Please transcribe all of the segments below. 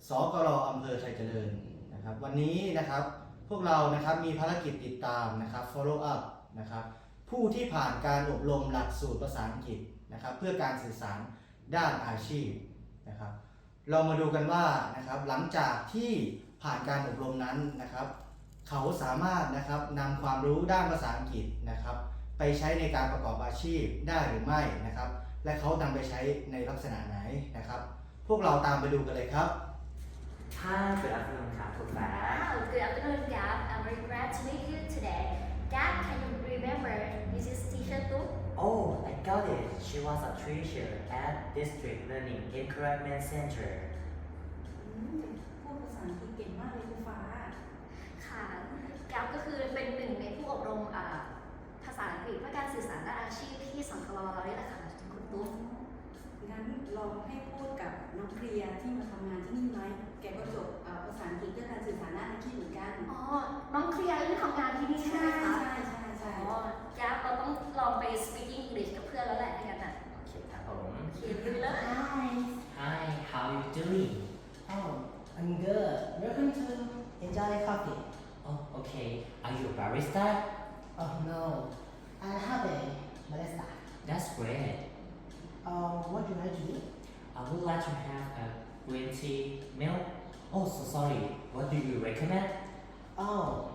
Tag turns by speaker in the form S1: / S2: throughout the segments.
S1: สกร.อำเภอไทยเจริญนะครับวันนี้นะครับพวกเรานะครับมีภารกิจติดตามนะครับ follow up นะครับผู้ที่ผ่านการอบรมหลักสูตรภาษาอังกฤษนะครับเพื่อการสื่อสารด้านอาชีพนะครับเรามาดูกันว่านะครับหลังจากที่ผ่านการอบรมนั้นนะครับเขาสามารถนะครับนำความรู้ด้านภาษาอังกฤษนะครับไปใช้ในการประกอบอาชีพได้หรือไม่นะครับและเขานำไปใช้ในลักษณะไหนนะครับพวกเราตามไปดูกันเลยครับ
S2: Hi, good afternoon, Kafufat.
S3: Wow, good afternoon, Gab. I'm very glad to meet you today. Gab, can you remember Mrs. Teacher Tu?
S2: Oh, I got it. She was a teacher at District Learning Encouragement Center.
S4: พูดภาษาอังกฤษเก่งมากเลยคุณฟ้า
S3: ค่ะ Gab ก็คือเป็นหนึ่งในผู้อบรมภาษาอังกฤษเพื่อการสื่อสารด้านอาชีพที่สังคลเรานี่แหละค่ะคุณตุ๊ก
S4: งั้นลองให้พูดกับน้องเคลียร์ที่มาทำงานที่นี่ไหมแกก็จบภาษาอังกฤษเพื่อการสื่อสารด้านอาชีพเหมือนกัน
S3: อ๋อ น้องเคลียร์ที่ทำงานที่นี่ใช่ไหมคะ
S4: ใช่
S3: อ๋อ Gab เราต้องลองไป speaking English กับเพื่อนแล้วแหละถ้างั้นอ่ะ
S2: Okay, Kafum.
S3: โอเคดูเลย
S2: Hi, how are you doing?
S5: Oh, I'm good. Welcome to Enjoy Coffee.
S2: Oh, okay. Are you a barista?
S5: Oh no, I have a barista.
S2: That's great.
S5: What do you like to do?
S2: I would like to have a green tea milk. Oh, so sorry. What do you recommend?
S5: Oh,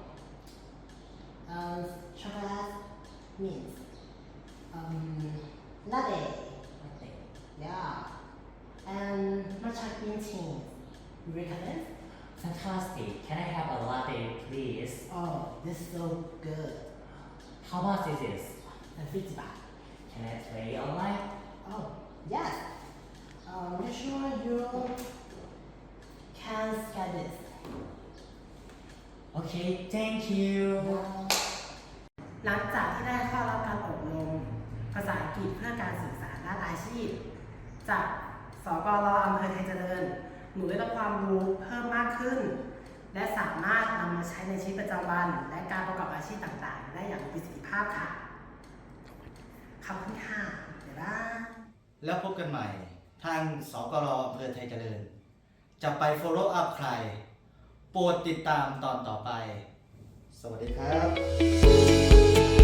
S5: chocolate mint. Latte.
S2: Okay.
S5: Yeah. And matcha green tea. You recommend?
S2: Fantastic. Can I have a latte, please?
S5: Oh, this is so good.
S2: How much is this?
S5: And 50 baht.
S2: Can I pay online?
S5: Oh, yes. Make sure you can scan this.
S2: Okay, thank you.
S6: หลังจากที่ได้เข้ารับการอบรมภาษาอังกฤษเพื่อการสื่อสารด้านอาชีพ จากสกร.อำเภอไทยเจริญ หนูได้รับความรู้เพิ่มมากขึ้น และสามารถนำมาใช้ในชีวิตประจำวัน และการประกอบอาชีพต่างๆ ได้อย่างมีประสิทธิภาพค่ะ ขอบคุณค่ะบ๊ายบาย
S1: แล้วพบกันใหม่ทางสกร.อำเภอไทยเจริญ จะไป follow up ใคร โปรดติดตามตอนต่อไป สวัสดีครับ